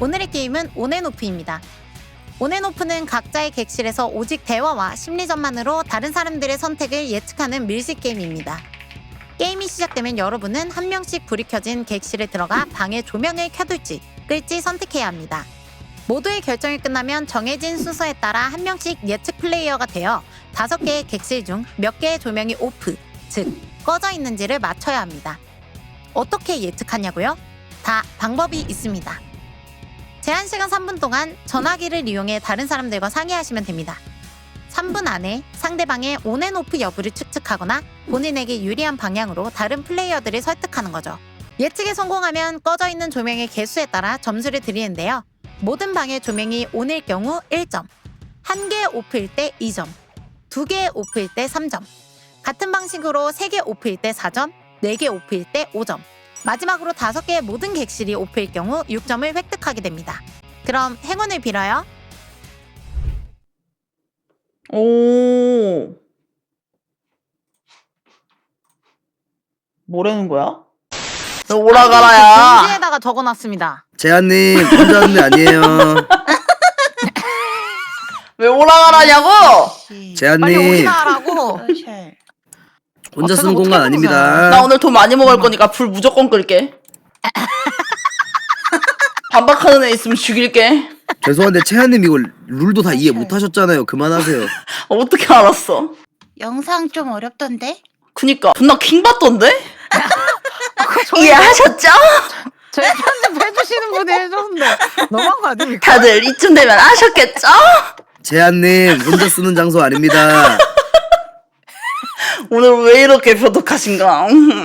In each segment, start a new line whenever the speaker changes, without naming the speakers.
오늘의 게임은 온앤오프입니다. 온앤오프는 각자의 객실에서 오직 대화와 심리전만으로 다른 사람들의 선택을 예측하는 밀식 게임입니다. 게임이 시작되면 여러분은 한 명씩 불이 켜진 객실에 들어가 방의 조명을 켜둘지 끌지 선택해야 합니다. 모두의 결정이 끝나면 정해진 순서에 따라 한 명씩 예측 플레이어가 되어 5개의 객실 중 몇 개의 조명이 오프, 즉 꺼져 있는지를 맞춰야 합니다. 어떻게 예측하냐고요? 다 방법이 있습니다. 제한시간 3분 동안 전화기를 이용해 다른 사람들과 상의하시면 됩니다. 3분 안에 상대방의 온앤오프 여부를 추측하거나 본인에게 유리한 방향으로 다른 플레이어들을 설득하는 거죠. 예측에 성공하면 꺼져 있는 조명의 개수에 따라 점수를 드리는데요. 모든 방의 조명이 온일 경우 1점, 1개 오프일 때 2점, 2개 오프일 때 3점, 같은 방식으로 3개 오프일 때 4점, 4개 오프일 때 5점, 마지막으로 5개의 모든 객실이 오프일 경우 6점을 획득하게 됩니다. 그럼 행운을 빌어요.
오. 뭐라는 거야? 너 오라가라야.
공지에다가 적어놨습니다.
재한님 혼자 하는 애 아니에요.
왜 오라가라냐고?
빨리
재한님
오기나 하라고.
혼자 쓰는
어떻게
공간
보자.
아닙니다.
나 오늘 돈 많이 먹을 거니까 불 무조건 끌게. 반박하는 애 있으면 죽일게.
죄송한데 재한님 이거 룰도 다 이해 못 하셨잖아요. 그만하세요.
어떻게 알았어?
영상 좀 어렵던데?
그니까 존나 킹받던데? 이해하셨죠?
저희 편집해주시는 분이 해줬는데 너무한 거 아닙니까?
다들 이쯤 되면 아셨겠죠?
재한님 혼자 쓰는 장소 아닙니다.
오늘 왜 이렇게 표독하신가?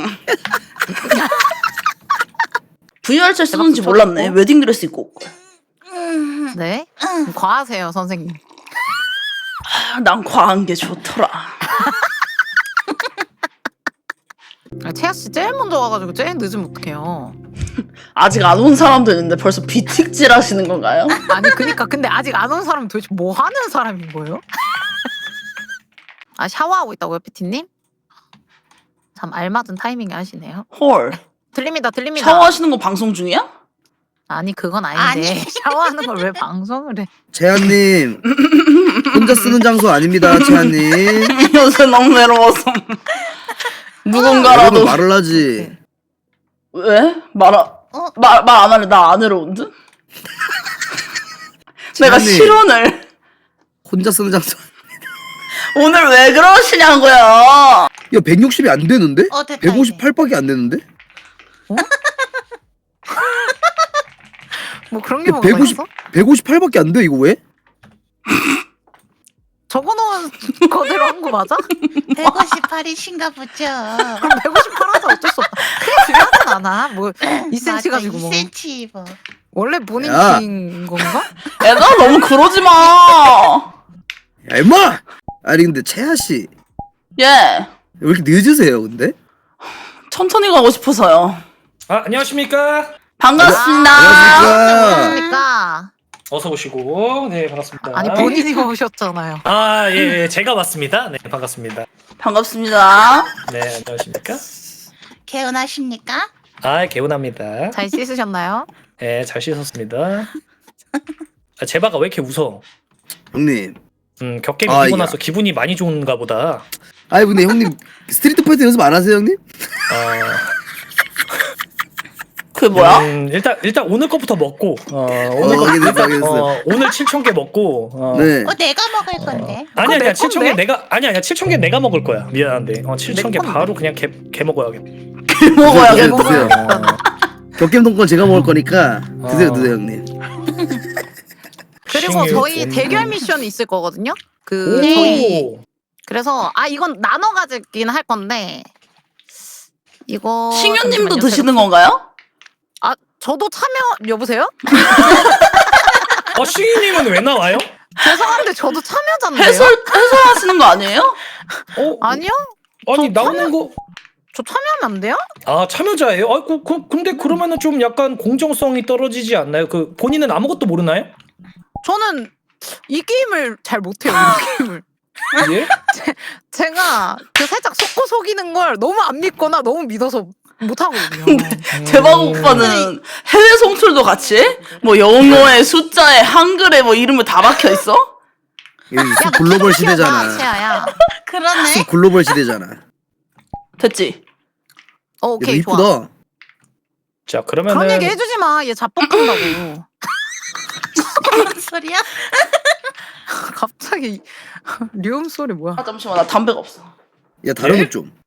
VR차 쓰는지 몰랐네. 웨딩드레스 입고.
네? 과하세요 선생님.
난 과한 게 좋더라.
채아씨 제일 먼저 와가지고 제일 늦으면 어떡해요.
아직 안 온 사람도 있는데 벌써 비틱질 하시는 건가요?
아니 그니까 근데 아직 안 온 사람은 도대체 뭐 하는 사람인 거예요? 아 샤워하고 있다고요 피티님? 참 알맞은 타이밍에 하시네요.
헐.
들립니다.
샤워하시는 거 방송 중이야?
아니 그건 아닌데
아니.
샤워하는 걸 왜 방송을 해?
재한님 혼자 쓰는 장소 아닙니다. 재한님
요새 너무 외로워서 누군가라도
여러분 말을 하지.
왜? 말 안 할래. 나 안 외로운데? 내가
재한님,
실언을
혼자 쓰는 장소.
오늘 왜 그러시냐고요?
야 160이 안 되는데?
됐다,
158밖에 안 되는데?
뭐 그런 게 뭐가
150
있어?
158밖에 안 돼. 이거 왜?
적어놓은 거대로 한 거 맞아?
158이신가 보죠.
그럼 158 하자 어쩔 수 없다. 그게 중요하진 않아. 뭐 2cm 가지고 뭐
2cm 뭐.
원래 본인
야.
키인 건가?
애가 너무 그러지 마.
야 임마! 아니 근데 채아 씨 왜
예.
이렇게 늦으세요 근데?
천천히 가고 싶어서요.
아, 안녕하십니까?
반갑습니다.
안녕하십니까?
그러니까
어서 오시고. 네, 반갑습니다.
아니 본인이 오셨잖아요.
아, 예, 예, 제가 왔습니다. 네, 반갑습니다.
반갑습니다.
네, 안녕하십니까?
개운하십니까?
아, 개운합니다.
잘 씻으셨나요?
네, 잘 씻었습니다. 아, 제바가 왜 이렇게 웃어?
형님
격게임
아,
이기고
야.
나서 기분이 많이 좋은가 보다.
아니 근데 형님 스트리트 파이터 연습 안 하세요 형님?
그게 뭐야?
일단 오늘 거부터 먹고, 오늘 거,
확인했어 확인했어.
오늘 7,000개 먹고,
네.
내가 먹을 건데.
아니야,
내
7,000개
건데?
내가, 아니야, 7,000개 내가 먹을 거야. 미안한데. 7,000개
건데?
바로 그냥 개 먹어야겠다.
먹어야겠다.
드세요. 격겜 동권 제가 먹을 거니까 드세요 드세요 형님.
그리고
싱유
저희
돈.
대결 미션이 있을 거거든요. 그
오!
저희 그래서 이건 나눠 가지긴 할 건데 이거
신유님도
잠시만요.
드시는
제가-
건가요?
저도 참여 여보세요?
시인님은 왜 나와요?
죄송한데 저도 참여자인데요.
해설하시는 거 아니에요?
아니요?
아니,
저
나오는 거.
저 참여하면 안 돼요?
아, 참여자예요? 근데 그러면은 좀 약간 공정성이 떨어지지 않나요? 본인은 아무것도 모르나요?
저는 이 게임을 잘 못해요. 이 게임을.
예?
제가 그 살짝 속고 속이는 걸 너무 안 믿거나 너무 믿어서 못하거든요.
대박 오빠는 해외 송출도 같이 해? 뭐 영어에 숫자에 한글에 뭐 이름을 다 박혀 있어?
여기 수 글로벌 시대잖아.
채아야.
그러네.
수 글로벌 시대잖아.
됐지?
야,
오케이
너
좋아.
이쁘다.
자
그런
그러면은
얘기 해주지 마. 얘 자뻑한다고.
무슨 소리야?
갑자기 류음 소리 뭐야?
아 잠시만 나 담배가 없어.
야 다른
예?
것 좀.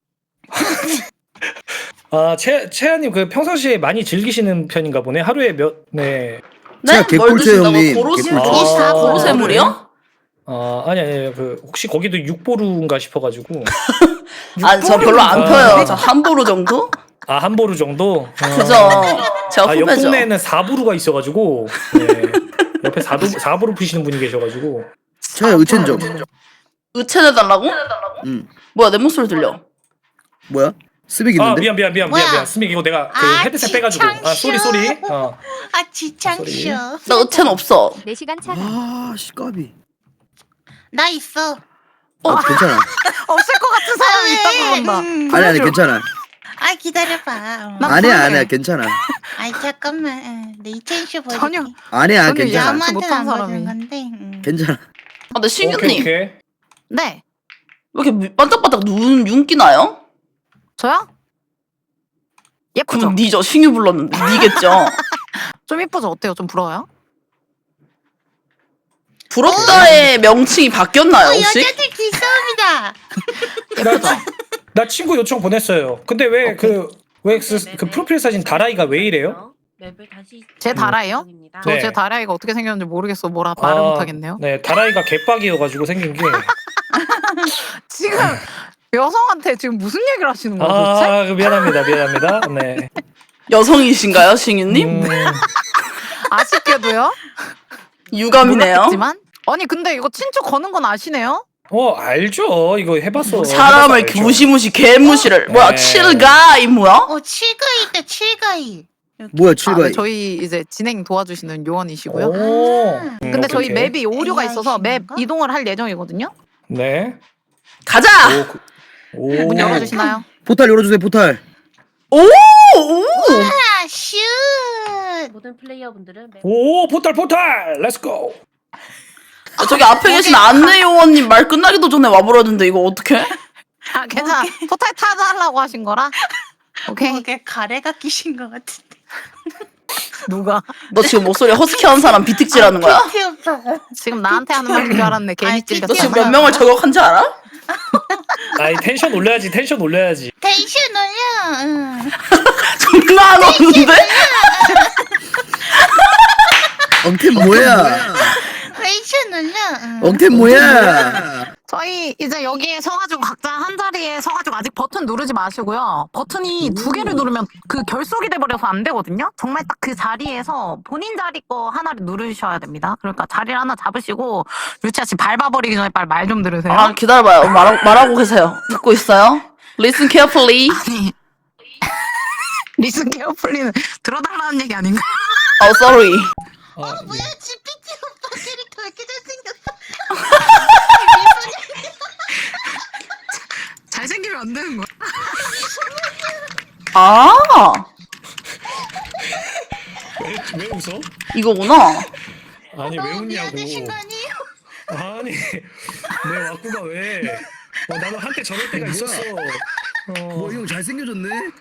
채아님 그 평상시에 많이 즐기시는 편인가 보네. 하루에 네.
네?
제가
뭘
개꿀잼
드신다고?
형님.
고로쇠
개꿀잼.
주셨어? 고로쇠물이요?
아니 그 혹시 거기도 육보루인가 싶어가지고.
아니 저 별로 안
아.
펴요. 저 한 보루 정도?
아 한 보루 정도?
그죠. 제가
옆
후배죠.
동네에는 4부루가 있어가지고 네. 옆에 4부루 피시는 분이 계셔가지고.
차야 의첸 좀.
의체내달라고?
응.
뭐야 내 목소리 들려.
뭐야? 스백
아
있는데?
미안 스믹 이거 내가 그
아,
헤드셋 빼가지고
지창쇼.
쏘리
아 지창쇼.
나 의체는 없어.
4시간 차.
아 씨까비.
나 있어.
괜찮아.
없을 것 같은 사람이 있다고 그런다.
아니 괜찮아.
아 기다려봐.
나
아니야
모르게.
괜찮아.
아이 잠깐만. 내 이첸쇼 보여줄게.
전혀
아니야
저는
괜찮아.
야-
남한테는
못한
안 보여준
사람이.
건데.
괜찮아.
아 근데 신규님 왜
네.
이렇게 반짝반짝 윤기 나요?
저요? 예쁘죠?
그럼 니죠. 신규 불렀는데 니겠죠.
좀 예쁘죠? 어때요? 좀 부러워요?
부럽다의 명칭이 바뀌었나요 혹시?
여자들 기싸움이다.
나 친구 요청 보냈어요. 근데 왜 그 프로필 사진 다라이가 왜 이래요?
제 다라예요? 저
네.
제 다라이가 어떻게 생겼는지 모르겠어. 뭐라 말을 못하겠네요.
네 다라이가 개빡이어가지고 생긴 게.
지금 여성한테 지금 무슨 얘기를 하시는 거예요 도대체?
아 미안합니다. 네.
여성이신가요 신규님?
아쉽게도요?
유감이네요.
몰랐겠지만 아니 근데 이거 친추 거는 건 아시네요?
알죠. 이거 해봤어.
사람을
해봐서 알죠.
무시무시 개무시를 뭐야
네.
칠가이 뭐야?
칠가이 있다 칠가이.
뭐야
아,
칠가이.
네, 저희 이제 진행 도와주시는 요원이시고요.
오.
근데 저희
오케이.
맵이 오류가 있어서 맵
AI신가?
이동을 할 예정이거든요.
네.
네.
가자.
오.
문 열어주시나요?
포탈 열어주세요 포탈.
오.
아 슛.
모든 플레이어분들은
오 포탈 렛츠고.
저기 앞에 계신 안내 요원님 말 끝나기도 전에 와버렸는데 이거 어떡해?
아 괜찮아. 포탈 타달라고 하신 거라. 오케이.
목에 가래가 끼신 것 같은데.
누가?
너 지금 목소리 허스키한 사람 비틱질하는 거야?
PT 오빠가.
지금 나한테 하는 말인 줄 알았네. 괜히
아이,
찔렸어.
너 지금 몇 명을 저격한 줄 알아?
아이 텐션 올려야지.
텐션 올려. 응.
존나 안 오는데?
엉템 뭐야?
텐션 올려. 응.
엉템 뭐야?
저희 이제 여기에 서가지고 각자 한 자리에 서가지고 아직 버튼 누르지 마시고요. 버튼이 두 개를 누르면 그 결속이 돼버려서 안 되거든요. 정말 딱 그 자리에서 본인 자리 거 하나를 누르셔야 됩니다. 그러니까 자리를 하나 잡으시고 유치아 씨 밟아버리기 전에 빨리 말 좀 들으세요.
아 기다려봐요. 말하고 계세요. 듣고 있어요. Listen carefully.
아니 리슨 케어풀리는 들어달라는 얘기 아닌가?
Oh sorry.
뭐야 GPT 오빠 캐릭터 왜 이렇게 잘생겼어?
잘생기면 안 되는 거야?
아
왜 웃어?
이거구나.
아니 왜 웃냐고.
미안하신 거 아니에요?
아니 내 와꾸가 왜? 나도 한때 저럴 때가 있었어.
형 잘생겨졌네.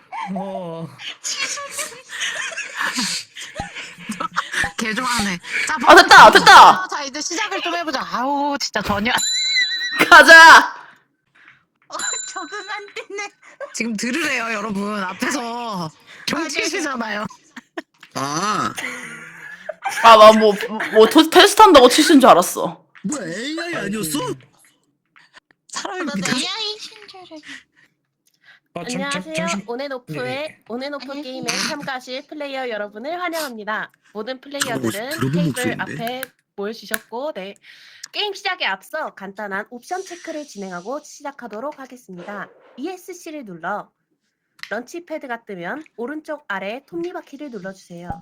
개 좋아하네. 자,
아, 됐다.
자 이제 시작을 좀 해보자. 아우 진짜 전혀
가자.
적응 안 되네.
지금 들으래요 여러분 앞에서 경치시잖아요.
아
나 뭐 테스트 한다고 치신 줄 알았어.
뭐야 AI 아니었어?
사람이
나
믿어.
AI신 줄 알았네.
안녕하세요. 온앤오프의
네.
온앤오프
안녕하세요.
게임에 참가하실 플레이어 여러분을 환영합니다. 모든 플레이어들은
들어본
테이블
목소리인데?
앞에 모여주셨고 네. 게임 시작에 앞서 간단한 옵션 체크를 진행하고 시작하도록 하겠습니다. ESC를 눌러 런치패드가 뜨면 오른쪽 아래 톱니바퀴를 눌러주세요.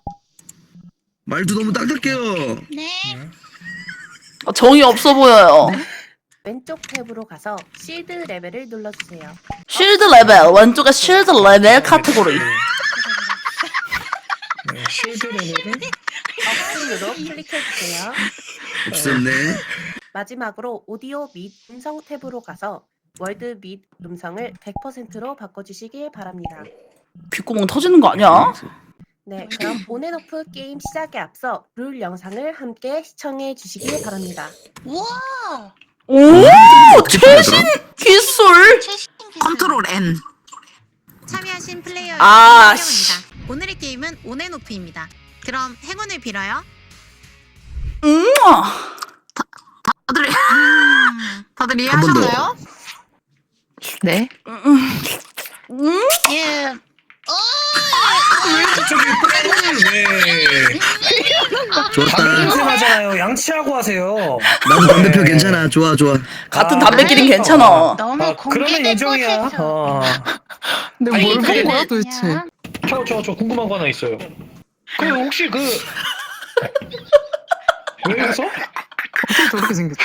말도 너무 딱딱해요.
네.
정이 없어 보여요.
왼쪽 탭으로 가서 실드 레벨을 눌러주세요.
쉴드 레벨 왼쪽에 쉴드 레벨 카테고리.
네, 쉴드 레벨은
업순으로 클릭해주세요.
없었네.
마지막으로 오디오 및 음성 탭으로 가서 월드 및 음성을 100%로 바꿔주시길 바랍니다.
귓구멍 터지는 거 아니야?
네, 그럼 온앤오프 게임 시작에 앞서 룰 영상을 함께 시청해 주시길 바랍니다.
우와.
오 최신 기술.
최신 기술.
컨트롤 N. 참여하신 플레이어 여러분
아,
환영합니다. 오늘의 게임은 온앤오프입니다. 그럼 행운을 빌어요. 다들
번 더.
이해하셨나요?
네.
예.
왜
좋았다.
냄새 나잖아요. 양치하고 하세요.
나도 반대표 괜찮아. 좋아.
같은 담배끼린 괜찮아.
너무
그러면
공개된
인정이야.
곳에서.
근데
아니,
뭘 본
그게
거야 도대체?
저 궁금한 거 하나 있어요. 그 혹시 그 왜 웃어?
어떻게 저렇게 생겼지?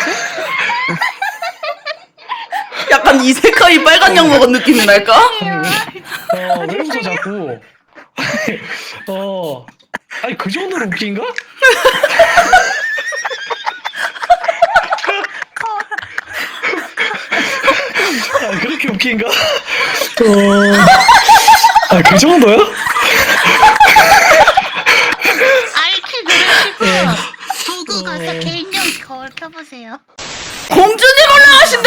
약간 이세카이 빨간 약 먹은 느낌이 날까?
왜 웃어 자꾸? 아니 그 정도로 웃긴가? 아 그렇게 웃긴가? 그 정도야?
알키 그러시고 도구 가서 개인용 거울 켜보세요.
공주님 올라가신다.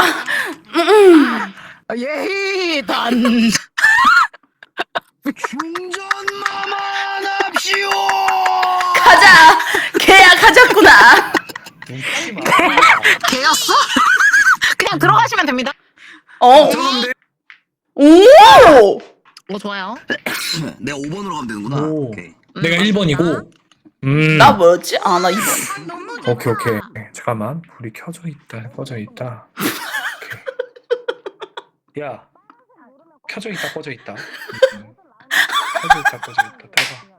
예히 단.
충전만 합시오.
가자. 계약하자꾸나.
웃지 마.
개였어? 그냥 들어가시면 됩니다.
어. 오.
좋아요.
내가 5번으로 가면 되는구나.
오.
오케이.
내가 1번이고.
나 뭐였지? 아 나 2번.
너무 좋다.
오케이. 잠깐만. 불이 켜져 있다. 꺼져 있다. 오케이. 야. 켜져 있다. 꺼져 있다. 켜져 있다. 꺼져 있다. 대박.